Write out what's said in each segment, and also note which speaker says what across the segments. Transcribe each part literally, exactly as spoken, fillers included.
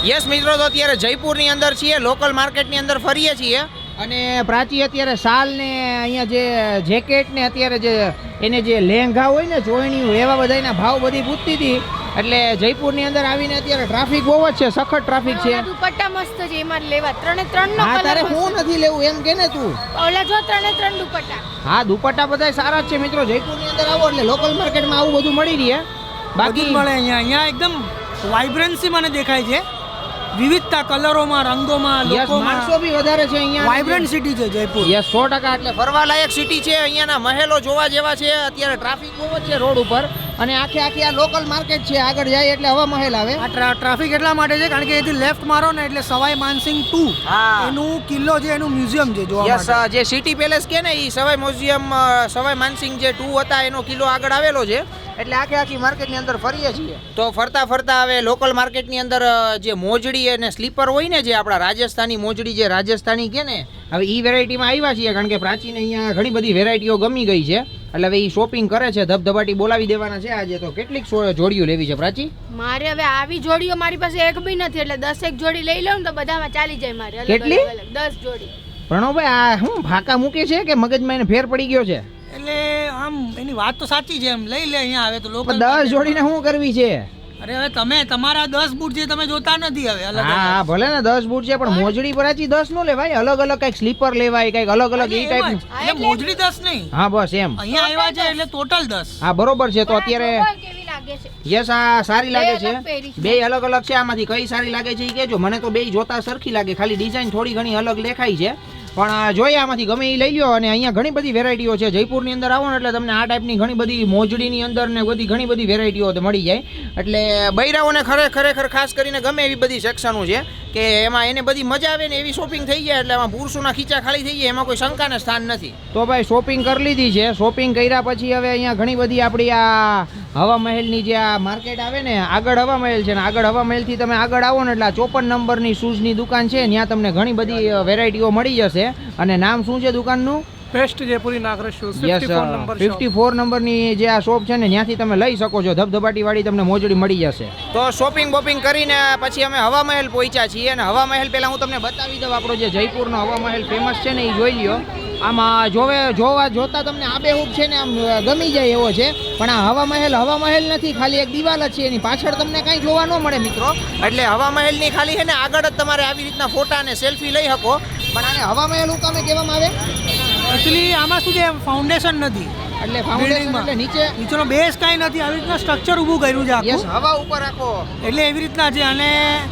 Speaker 1: Yes મિત્રો, તો અત્યારે જયપુરની અંદર છીએ, લોકલ માર્કેટની અંદર ફરીએ છીએ અને પ્રાચી અત્યારે શાલ ને અહીંયા જે જેકેટ ને અત્યારે જે એને જે લેંઘા હોય ને ચોયણીયું એવા બધાના ભાવ બધી પૂછતી હતી. એટલે જયપુરની અંદર આવીને અત્યારે ટ્રાફિક બહુ જ છે, સખત ટ્રાફિક છે.
Speaker 2: દુપટ્ટા મસ્ત છે, એમાં લેવા ત્રણે ત્રણ નો
Speaker 1: હા, તારે હું નથી લેવું એમ કે ને તું.
Speaker 2: ઓલા જો ત્રણે ત્રણ દુપટ્ટા.
Speaker 1: હા, દુપટ્ટા બધા સારા જ છે મિત્રો. જયપુરની અંદર આવો એટલે લોકલ માર્કેટમાં આવું બધું મળી રહે.
Speaker 3: બાકી મળે અહીંયા અહીંયા એકદમ વાઇબ્રન્સી મને દેખાય છે, વિવિધતા કલરોમાં, રંગોમાં, લોકોમાં.
Speaker 1: માણસો બી વધારે છે અહીંયા.
Speaker 3: વાઇબ્રન્ટ સિટી છે જયપુર.
Speaker 1: યસ, સો ટકા. એટલે ફરવા લાયક સિટી છે. અહીંયાના મહેલો જોવા જેવા છે. અત્યારે ટ્રાફિક બહુ જ છે રોડ ઉપર અને આખે આખી આ લોકલ માર્કેટ છે. આગળ જાય એટલે હવા મહેલ આવે.
Speaker 3: આ ટ્રાફિક એટલા માટે છે કારણ કે એથી લેફ્ટ મારો ને એટલે સવાઈ માનસિંહ ટુ એનું કિલ્લો છે, એનું મ્યુઝિયમ છે જોવા
Speaker 1: માટે. યસ, જે સિટી પેલેસ કે ને એ સવાઈ મ્યુઝિયમ, સવાઈ માનસિંહ જે ટુ હતા એનો કિલ્લો આગળ આવેલો છે. એટલે આખે આખી માર્કેટની અંદર ફરીએ છીએ. તો ફરતા ફરતા હવે લોકલ માર્કેટની અંદર જે મોજડી અને સ્લીપર હોય ને, જે આપણા રાજસ્થાની મોજડી, જે રાજસ્થાની કે ને, હવે એ વેરાયટીમાં આવ્યા છીએ કારણ કે પ્રાચીને અહીંયા ઘણી બધી વેરાયટીઓ ગમી ગઈ છે. એટલે હવે એ શોપિંગ કરે છે, ધબધબાટી બોલાવી દેવાના છે આજે. તો કેટલીક જોડીઓ લેવી છે પ્રાચી?
Speaker 2: મારે હવે આવી જોડીઓ મારી પાસે એક બી નથી, એટલે દસ એક જોડી લઈ લઉં તો બધામાં ચાલી જાય મારે.
Speaker 1: કેટલી?
Speaker 2: દસ જોડી.
Speaker 1: પ્રણવભાઈ, આ હું ફાકા મૂકે છે કે મગજમાં એને ફેર પડી ગયો છે?
Speaker 3: એટલે આમ એની વાત તો સાચી છે, એમ લઈ લે અહીંયા આવે તો લોકો.
Speaker 1: દસ જોડીને શું કરવી છે?
Speaker 3: અરે હવે તમે તમારા દસ બૂટ જે તમે જોતા નથી હવે અલગ.
Speaker 1: હા, ભલે ને દસ બૂટ છે પણ મોજડી પ્રાચી દસ નો લેવાય. અલગ અલગ કઈક સ્લીપર લેવાય, કઈક અલગ અલગ એ ટાઈપ.
Speaker 3: એટલે મોજડી દસ નહીં.
Speaker 1: હા, બસ એમ.
Speaker 3: અહીંયા આવ્યા છે એટલે ટોટલ દસ.
Speaker 1: હા, બરોબર છે. તો અત્યારે
Speaker 2: કેવી લાગે છે?
Speaker 1: યસ, આ સારી લાગે છે. બે અલગ અલગ છે. આમાંથી કઈ સારી લાગે છે એ કહેજો. મને તો બે જોતા સરખી લાગે, ખાલી ડિઝાઇન થોડી ઘણી અલગ દેખાય છે. પણ જોઈએ આમાંથી ગમે એ લઈ લો. અને અહીંયા ઘણી બધી વેરાયટીઓ છે. જયપુરની અંદર આવો ને એટલે તમને આ ટાઈપની ઘણી બધી મોજડીની અંદર ને બધી ઘણી બધી વેરાયટીઓ મળી જાય. એટલે બૈરાઓને ખરે ખરેખર ખાસ કરીને ગમે એવી બધી સેક્શનો છે કે એમાં એને બધી મજા આવે ને એવી શોપિંગ થઈ જાય. એટલે એમાં પુરુષોના ખીચા ખાલી થઈ જાય, એમાં કોઈ શંકાને સ્થાન નથી. તો ભાઈ શોપિંગ કરી લીધી છે. શોપિંગ કર્યા પછી હવે અહીંયા ઘણી બધી આપણી આ હવા મહેલની જે આ માર્કેટ આવે ને, આગળ હવા મહેલ છે ને, આગળ હવા મહેલથી તમે આગળ આવો ને એટલે આ ચોપન નંબરની શૂઝની દુકાન છે. ત્યાં તમને ઘણી બધી વેરાયટીઓ મળી જશે. અને નામ શું છે દુકાનનું?
Speaker 4: Best Jaipuri Nagraj shoes.
Speaker 1: Fifty four નંબરની જે આ શોપ છે ને, ત્યાંથી તમે લઈ શકો છો. ધબધબાટી વાળી તમને મોજડી મળી જશે. તો શોપિંગ બોપિંગ કરીને પછી અમે હવા મહેલ પહોંચ્યા છીએ. અને હવા મહેલ પહેલા હું તમને બતાવી દઉં. આપણો જે જયપુરનો હવા મહેલ ફેમસ છે ને, એ જોઈ લ્યો. આમાં જોવે જોવા જોતા તમને આબેહૂબ છે ને, આમ ગમી જાય એવો છે. પણ આ હવા મહેલ હવા મહેલ નથી, ખાલી એક દિવાલ જ છે. એની પાછળ તમને કાંઈ જોવા ન મળે મિત્રો. એટલે હવા મહેલની ખાલી છે ને આગળ જ તમારે આવી રીતના ફોટા અને સેલ્ફી લઈ શકો. પણ આને હવા મહેલ હું કામે કહેવામાં આવે?
Speaker 3: એકચ્યુઅલી આમાં શું છે, ફાઉન્ડેશન નથી.
Speaker 1: એટલે ફાઉન્ડેશન એટલે નીચે
Speaker 3: નીચેનો બેઝ કાંઈ નથી. આવી રીતના સ્ટ્રક્ચર ઊભું કર્યું છે આખું.
Speaker 1: યસ, હવા ઉપર રાખો
Speaker 3: એટલે એવી રીતના છે. અને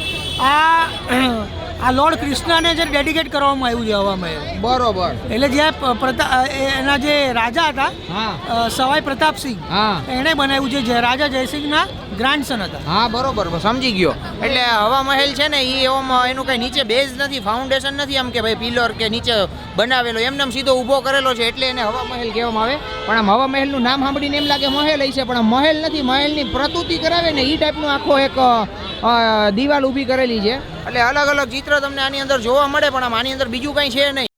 Speaker 3: આ આ લોર્ડ કૃષ્ણને જે ડેડિકેટ કરવામાં આવ્યું છે હવા મહેલ.
Speaker 1: બરોબર.
Speaker 3: એટલે જે એના જે રાજા હતા,
Speaker 1: હા,
Speaker 3: સવાઈ પ્રતાપસિંહ,
Speaker 1: હા,
Speaker 3: એણે બનાવ્યું છે. જે રાજા જયસિંહના ગ્રાન્ડસન હતા.
Speaker 1: હા, બરોબર, સમજી ગયો. એટલે હવા મહેલ છે ને એ એવામાં એનું કઈ નીચે બેઝ નથી, ફાઉન્ડેશન નથી, આમ કે ભાઈ પિલર કે નીચે બનાવેલો, એમને સીધો ઊભો કરેલો છે. એટલે એને હવા મહેલ કહેવામાં આવે. પણ આમ હવા મહેલનું નામ સાંભળીને એમ લાગે મહેલ હશે, પણ મહેલ નથી. મહેલની પ્રતુતિ કરાવે ને એ ટાઈપનું આખો એક દિવાલ ઊભી કરેલી છે. એટલે અલગ અલગ ચિત્ર તમને આની અંદર જોવા મળે. પણ આમ આની અંદર બીજું કંઈ છે નહીં.